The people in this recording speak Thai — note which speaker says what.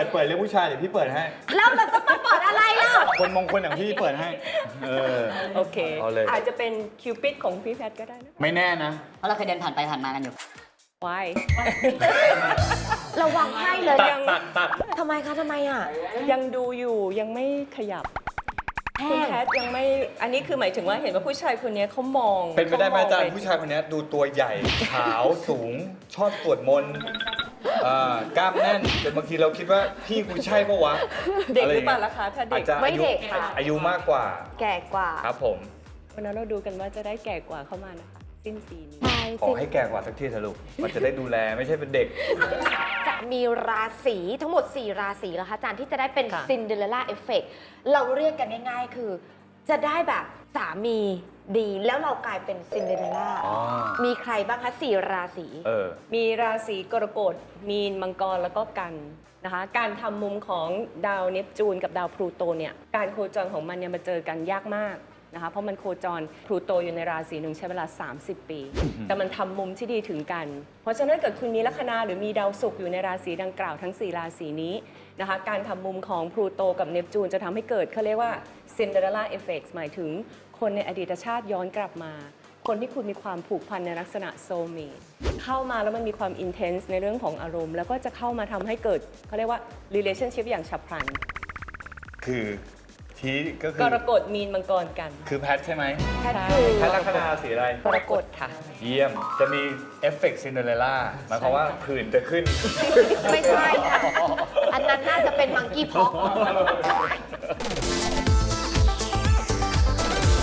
Speaker 1: เรื่องผู้ชายเดี๋ยวพี่เปิดให้
Speaker 2: แล้วเราต้องมาเปิดอะไรล่ะ
Speaker 1: คนมงคลอย่างพี่เปิดให้
Speaker 3: โอเค
Speaker 1: เอาเลย
Speaker 3: อาจจะเป็นคิวปิดของพี่แพทก็ได้นะ
Speaker 1: ไม่แน่นะ
Speaker 4: เพราะเราเคยเดินผ่านไปผ่านมากันอยู่
Speaker 3: วาย
Speaker 2: ระวังให้เลย
Speaker 3: ยัง
Speaker 2: ทำไมคะทำไมอ่ะ
Speaker 3: ยังดูอยู่ยังไม่ขยับคุณแพทยังไม่อันนี้คือหมายถึงว่าเห็นว่าผู้ชายคนนี้เขามอง
Speaker 1: เป็นไปได้ไหมอาจารย์
Speaker 3: เข
Speaker 1: ผู้ชายคนนี้ดูตัวใหญ่ ขาวสูง ชอบสวดมนต์กล้ามแน่นแต่บางทีเราคิดว่าพี่กูใช่ปะวะ
Speaker 3: เด็กหรือเปล่าล่ะคะถ้าเด็
Speaker 1: อาจ
Speaker 3: ก
Speaker 1: จะ
Speaker 2: ไม่เด็กค่ะ
Speaker 1: อายุมากกว่า
Speaker 2: แก่กว่า
Speaker 1: ครับผม
Speaker 3: วันนั้นเราดูกันว่าจะได้แก่กว่าเข้ามานะคะสิ้นปีนี้
Speaker 2: ใช่
Speaker 1: ขอให้แก่กว่าสักทีเถอะลูกมันจะได้ดูแลไม่ใช่เป็นเด็ก
Speaker 2: จะมีราศีทั้งหมด 4 ราศีแล้วคะอาจารย์ที่จะได้เป็น
Speaker 3: ค่ะ
Speaker 2: ซินเดอเรลล่าเอฟเฟกเราเรียกกันง่ายๆ คือ จะได้แบบสามีดีแล้วเรากลายเป็นซินเดอเรลล่า
Speaker 1: อ๋อ
Speaker 2: มีใครบ้างคะ 4 ราศี
Speaker 3: มีราศีกรกฎมีนมังกรแล้วก็กันนะคะการทำมุมของดาวเนปจูนกับดาวพลูโตเนี่ยการโคจรของมันเนี่ยมาเจอกันยากมากนะคะเพราะมันโคจรพลูโตอยู่ในราศีหนึ่งใช้เวลา 30 ปี แต่มันทำมุมที่ดีถึงกัน เพราะฉะนั้นเกิดคุณมีลัคนาหรือมีดาวศุกร์อยู่ในราศีดังกล่าวทั้ง 4 ราศีนี้นะคะการทำมุมของพลูโตกับเนปจูนจะทำให้เกิดเขาเรียกว่า Cinderella Effect หมายถึงคนในอดีตชาติย้อนกลับมา คนที่คุณมีความผูกพันในลักษณะโซลเมทเข้ามาแล้วมันมีความอินเทนส์ในเรื่องของอารมณ์ แล้วก็จะเข้ามาทำให้เกิดเขาเรียกว่า relationship อย่างฉับพลัน
Speaker 1: คือชี้ก็คื
Speaker 3: ก
Speaker 1: อ
Speaker 3: รกฎมีนมังกรกัน
Speaker 1: คือแพทใช่ไหม
Speaker 2: แพทคือ
Speaker 1: แพทลัคนาสีอะไร
Speaker 3: กรกฎค่ะ
Speaker 1: เยี่ยม จะมีเอฟเฟกต์ซินเดอเรลล่าหมายความว่าผื่นจะขึ้น
Speaker 2: ไม่ใช่ค่ะอันนั้นน่าจะเป็นมังกี้พ็อก